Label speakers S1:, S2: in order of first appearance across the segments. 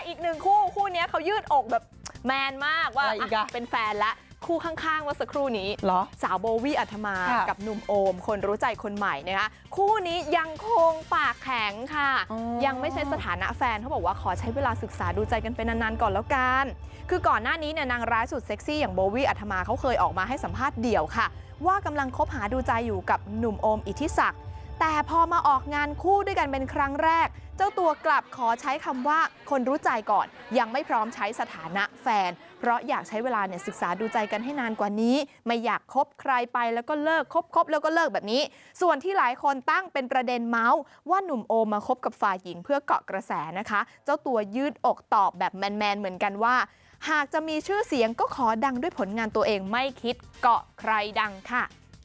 S1: อีกหนึ่งคู่นี้เขายืดอกแบบแมนมากว่าเป็นแฟนละคู่ข้างๆว่าสักครู่นี้สาวโบวี่อัธมากับหนุ่มโอมคนรู้ใจคนใหม่นะคะคู่นี้ยังคงปากแข็งค่ะยังไม่ใช่สถานะแฟนเขาบอกว่าขอใช้เวลาศึกษาดูใจกันเป็นนานๆก่อนแล้วกันคือก่อนหน้านี้เนี่ยนางร้ายสุดเซ็กซี่อย่างโบวี่อัธมาเขาเคยออกมาให้สัมภาษณ์เดี่ยวค่ะว่ากำลังคบหาดูใจอยู่กับหนุ่มโอมอิทธิศักดิ์แต่พอมาออกงานคู่ด้วยกันเป็นครั้งแรกเจ้าตัวกลับขอใช้คำว่าคนรู้ใจก่อนยังไม่พร้อมใช้สถานะแฟนเพราะอยากใช้เวลาเนี่ยศึกษาดูใจกันให้นานกว่านี้ไม่อยากคบใครไปแล้วก็เลิกคบแล้วก็เลิกแบบนี้ส่วนที่หลายคนตั้งเป็นประเด็นเมาส์ว่าหนุ่มโอมมาคบกับฝ่ายหญิงเพื่อเกาะกระแสนะคะเจ้าตัวยืดอกตอบแบบแมนๆเหมือนกันว่าหากจะมีชื่อเสียงก็ขอดังด้วยผลงานตัวเองไม่คิดเกาะใครดังค่ะ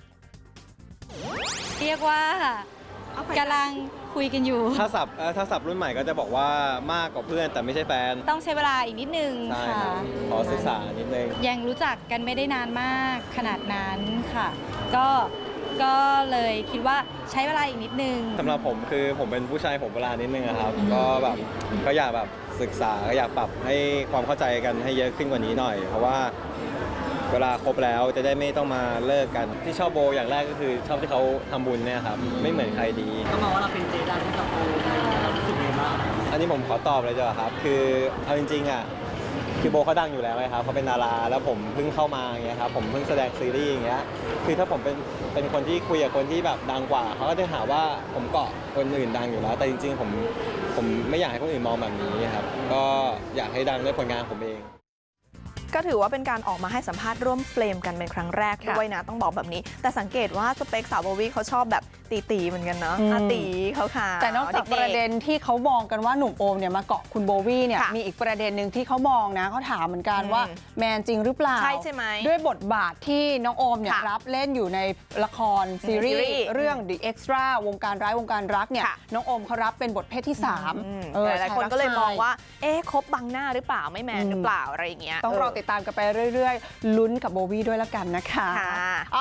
S2: เรียกว่ากำลังคุยกันอยู่
S3: ถ้าศัพท์รุ่นใหม่ก็จะบอกว่ามากกว่าเพื่อนแต่ไม่ใช่แฟน
S2: ต้องใช้เวลาอีกนิดนึงค่ะ
S3: ขอศึกษานิดนึง
S2: ยังรู้จักกันไม่ได้นานมากขนาดนั้นค่ะก็เลยคิดว่าใช้เวลาอีกนิดนึง
S3: สำหรับผมคือผมเป็นผู้ชายผมเวลานิดนึงครับก็แบบก็อยากแบบศึกษาก็อยากปรับให้ความเข้าใจกันให้เยอะขึ้นกว่านี้หน่อยเพราะว่าเวลาคบแล้วจะได้ไม่ต้องมาเลิกกันที่ชอบโบอย่างแรกก็คือชอบที่เขาทำบุญเนี่ยครับไม่เหมือนใครดี
S4: ก็มองว่าเราเป็นเจดังกับโบเรารู้สึกไงบ้าง
S3: อันนี้ผมขอตอบเลยจ้ะครับคือเอาจริงๆอ่ะคือโบเขาดังอยู่แล้วไงครับเขาเป็นดาราแล้วผมเพิ่งเข้ามาอย่างเงี้ยครับผมเพิ่งแสดงซีรีส์อย่างเงี้ยคือถ้าผมเป็นคนที่คุยกับคนที่แบบดังกว่าเขาก็จะหาว่าผมเกาะคนอื่นดังอยู่แล้วแต่จริงๆผมไม่อยากให้คนอื่นมองแบบนี้ครับก็อยากให้ดังด้วยผลงานผมเอง
S1: ก็ถือว่าเป็นการออกมาให้สัมภาษณ์ร่วมเฟรมกันเป็นครั้งแรกด้วยนะต้องบอกแบบนี้แต่สังเกตว่าสเปคสาวโบวี่เขาชอบแบบตีเหมือนกันเนาะตีเขาค่ะ
S5: แต่นอกจากประเด็นที่เขามองกันว่าหนุ่มโอมเนี่ยมาเกาะคุณโบวี่เนี่ยมีอีกประเด็นหนึ่งที่เขามองนะเขาถามเหมือนกันว่าแมนจริงหรือเปล่า
S1: ใช่ไหม
S5: ด้วยบทบาทที่น้องโอมเนี่ยรับเล่นอยู่ในละครซีรีส์เรื่อง The Extra วงการร้ายวงการรักเนี่ยน้องโอมเขารับเป็นบทเพศที่3
S1: หลายคนก็เลยมองว่าคบบังหน้าหรือเปล่าไม่แมนหรือเปล่าอะไรอย่างเงี้ย
S5: ต้องรอติดตามกันไปเรื่อยๆลุ้นกับโบวี่ด้วยละกันนะคะ